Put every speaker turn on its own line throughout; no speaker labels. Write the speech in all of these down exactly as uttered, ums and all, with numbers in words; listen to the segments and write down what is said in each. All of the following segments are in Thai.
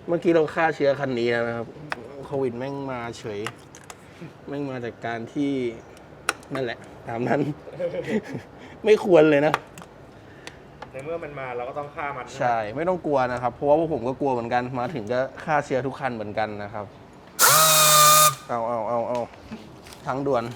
เมื่อกี้เราฆ่าเชื้อคันนี้แล้วนะครับโควิดแม่งมาเฉยแม่งมาจากการที่นั่นแหละตามนั้น ไม่ควรเลยนะ
ในเมื่อมันมาเราก็ต้องฆ่ามัน
ใช่ไม่ต้องกลัวนะครับเพราะว่าพวกผมก็กลัวเหมือนกันมาถึงก็ฆ่าเชื้อทุกคันเหมือนกันนะครับเอาเอาเอาเอาทั้งด่วน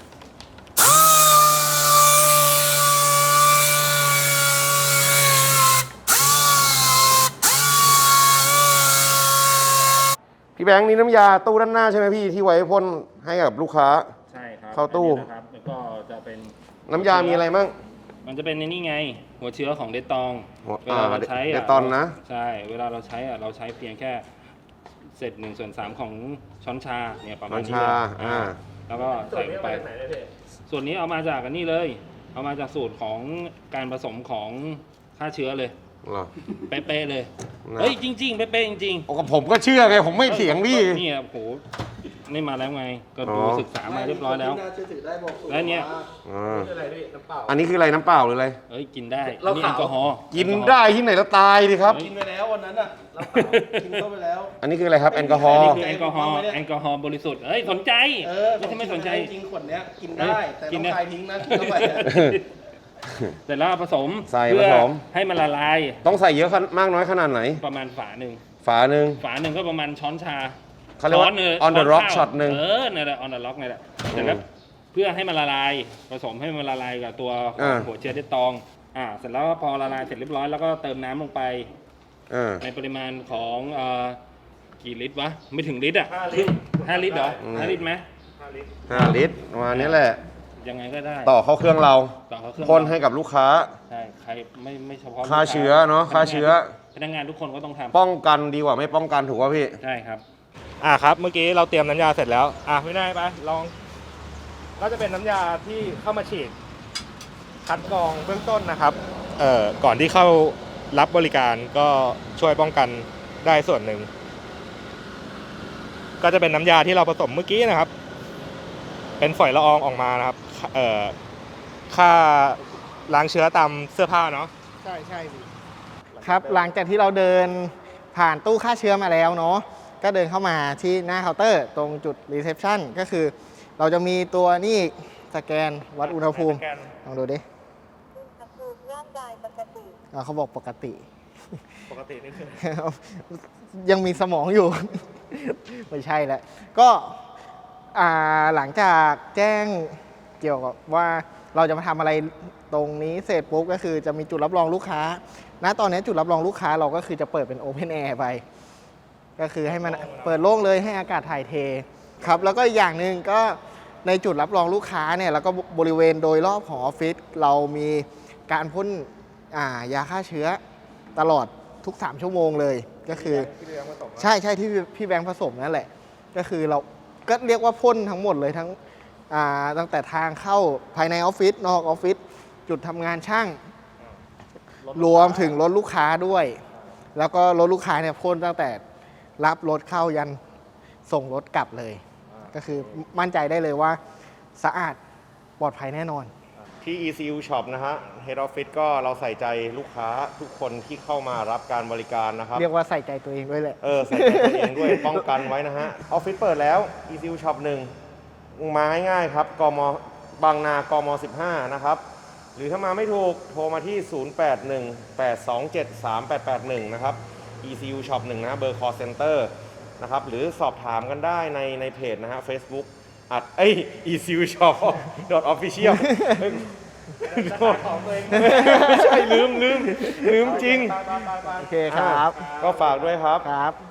พี่แบงค์นี่น้ำยาตู้ด้านหน้าใช่ไหมพี่ที่ไว้พ่นให้กับลูกค้า
ใช่ครับ
เข้าตู้
นะครับแล้วก็จะเป็น
น้ำยามีอะไรบ้าง
มันจะเป็นในนี่ไงหัวเชื้อของเดตอง
เวลาเราใช้เดตองนะ
ใช่เวลาเราใช้อะเราใช้เพียงแค่เศษหนึ่งส่วนสามของช้อนชาเนี่ยประมาณนี้เลยอ่าแล้วก็ใส่ไปส่วนนี้เอามาจากอันนี้เลยเอามาจากสูตรของการผสมของฆ่าเชื้อเลยเป๊ะๆเลยเฮ้ยจริงๆเป๊ะๆจริงๆ
โอ้ผมก็เชื่อไงผมไม่เถียงพี่
นี่โอ้โหนี่มาแล้วไงก็ดูศึกษามาเรียบร้อยแล้วแล้วเนี่ย
อันนี้คืออะไรน้ำเปล่าหรืออะไร
เฮ้ยกินได้นี่แอลกอฮอล์
กินได้ที่ไหนแล้วตายดิครับ
กินไปแล้ววันนั้นอ่ะเรากินเข้าไปแล้ว
อันนี้คืออะไรครับแอลกอฮอล์
นี่คือแอลกอฮอล์แอลกอฮอล์บริสุทธิ์เฮ้ยสนใจไม่ใช่ไม่สนใจ
จริงขวดเนี้ยกินได้แต่ต้องคายทิ้งนะกินเข้าไป
เสร็จแล้วผสม
ใส่ผสม
ให้มันละลาย
ต้องใส่เยอะมากน้อยขนาดไหน
ประมาณฝาหนึ่ง
ฝาหนึ่ง
ฝาหนึ่งก็ประมาณช้อนชา
เขาเรียกว่า on the rock shot หนึ่ง
เออเนี่ยแหละ on the rock เนี่ยแหละเสร็จแล้วเพื่อให้มันละลายผสมให้มันละลายกับตัวหัวเชื้อเดตองอ่าเสร็จแล้วพอละลายเสร็จเรียบร้อยแล้วก็เติมน้ำลงไปในปริมาณของกี่ลิตรวะไม่ถึงลิตรอ่ะห้าลิตรเหรอห้าลิตรไหม
ห้าลิตรประมาณนี้แหละ
ยังไงก็ได้
ต่อเข้าเครื่องเราพ่นให้กับลูกค้า
ใช่ใครไม่ไม่เฉพาะ
ฆ่าเชื้อเนาะฆ่าเชื้อ
พนักงานทุกคนก็ต้องท
ำป้องกันดีกว่าไม่ป้องกันถูกป่ะพี่
ใช่ครับอ่าครับเมื่อกี้เราเตรียมน้ำยาเสร็จแล้วอ่ะไม่ได้ไปลองก็จะเป็นน้ำยาที่เข้ามาฉีดคัดกรองเบื้องต้นนะครับเอ่อก่อนที่เข้ารับบริการก็ช่วยป้องกันได้ส่วนหนึ่งก็จะเป็นน้ำยาที่เราผสมเมื่อกี้นะครับเป็นฝอยละอองออกมานะครับเอ่อค่าล้างเชื้อตามเสื้อผ้าเนาะ
ใช่ใช่ครับหลังจากที่เราเดินผ่านตู้ฆ่าเชื้อมาแล้วเนาะก็เดินเข้ามาที่หน้าเคาน์เตอร์ตรงจุดรีเซพชันก็คือเราจะมีตัวนี่สแกนวัดอุณหภูมิลองดูดิ
อุณหภูมิร่างกายปกติ
เขาบอกปกติ
ปกตินี่คือ
ยังมีสมองอยู่ ไม่ใช่แล้วก็หลังจากแจ้งเกี่ยวกับว่าเราจะมาทำอะไรตรงนี้เสร็จปุ๊บก็คือจะมีจุดรับรองลูกค้าณตอนนี้จุดรับรองลูกค้าเราก็คือจะเปิดเป็นโอเพนแอร์ไปก็คือให้มันเปิดโล่งเลยให้อากาศถ่ายเทครับแล้วก็อย่างหนึ่งก็ในจุดรับรองลูกค้าเนี่ยแล้วก็บริเวณโดยรอบของออฟฟิศเรามีการพ่นยาฆ่าเชื้อตลอดทุกสามชั่วโมงเลยก็คือใช่ใช่ที่พี่แบงค์ผสมนั่นแหละก็คือเราก็เรียกว่าพ่นทั้งหมดเลยทั้งตั้งแต่ทางเข้าภายในออฟฟิศนอกออฟฟิศจุดทำงานช่างรวมถึงรถลูกค้าด้วยแล้วก็รถลูกค้าเนี่ยพ่นตั้งแต่รับรถเข้ายันส่งรถกลับเลยก็คือมั่นใจได้เลยว่าสะอาดปลอดภัยแน่นอน
ที่ อี ซี ยู Shop นะฮะ Head Office ก็เราใส่ใจลูกค้าทุกคนที่เข้ามารับการบริการนะครับ
เรียกว่าใส่ใจตัวเองด้วยแหละ
เออใส่ใจตัวเองด้วยป้องกันไว้นะฮะออฟฟิศเปิดแล้ว อี ซี ยู Shop หนึ่งมาง่ายๆครับกมบางนากมสิบห้านะครับหรือถ้ามาไม่ถูกโทรมาที่ศูนย์ แปด หนึ่ง แปด สอง เจ็ด สาม แปด แปด หนึ่งนะครับ อี ซี ยู Shop หนึ่งนะเบอร์ call center นะครับหรือสอบถามกันได้ในในเพจนะฮะ Facebook อัดเอ้ย อี ซี ยู Shop .official ไม่ใช่ลืมลืมลืมจริง
โอเคครับ
ก็ฝากด้วยครับ
ครับ